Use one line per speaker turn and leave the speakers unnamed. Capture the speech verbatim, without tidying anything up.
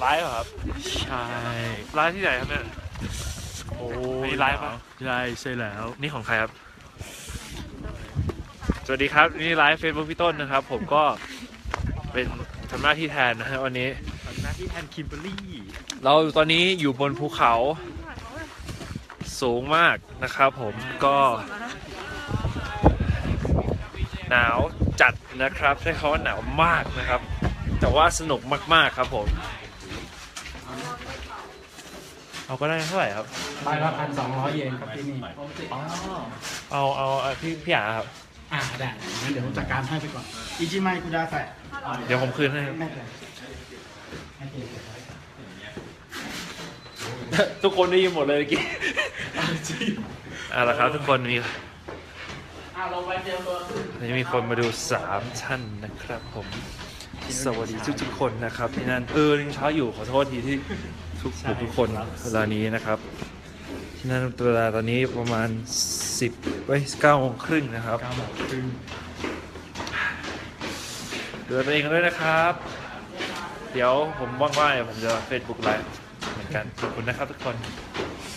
ไลฟ์เหรอครับ
ใช่
ไลฟ์ที่ไหนครับเนี่ย
โอ้
มีไลฟ์ปะ
ใช่ใช่แล้ว
นี่ของใครครับ สวัสดีครับนี่ไลฟ์เฟซบุ๊กพี่ต้นนะครับ ผมก็เป็นทำหน้าที่แทนนะฮะวันนี้
ทำหน้าที่แทนคิมเบอร์รี่
เราตอนนี้อยู่บนภูเขาสูงมากนะครับผมก็หนาวจัดนะครับใช้คำว่าหนาวมากนะครับ แต่ว่าสนุกมากๆครับผมเอาก็ได้เท่าไหร่ครับ
ใบละพันสองร้อยเยนครับที่นี่
อ๋อเอาเอาเอาพี่พี่อาครับ
อ่าได้งั้นเดี๋ยวผมจัดการให้ไปก่อนอิจิไมคุดาใส่
เดี๋ยวผมคืนให้
ไม่เป็นไรให้เก
ทุกคนได้ยินหมดเลยเมื่อกี้เอาละครับทุกคนมี
อ่าลงไปเตรียมตัว
วันนี้มีคนมาดูสามท่านนะครับผมสวัสดีทุกๆคนนะครับที่นั่นเออยังเช้าอยู่ขอโทษทีที่ทุกทุกคนเวลานี้นะครับที่นั่นเวลาตอนนี้ประมาณสิบเว้ยเก้าโมงครึ่งนะครับ
เก้าโมงครึ่ง
ดูแลตัวเองกันด้วยนะครับ เดี๋ยวผมว่างๆเดี๋ยวผมจะเฟซบุ๊กไลฟ์เหมือนกันขอบคุณนะครับทุกคน
ค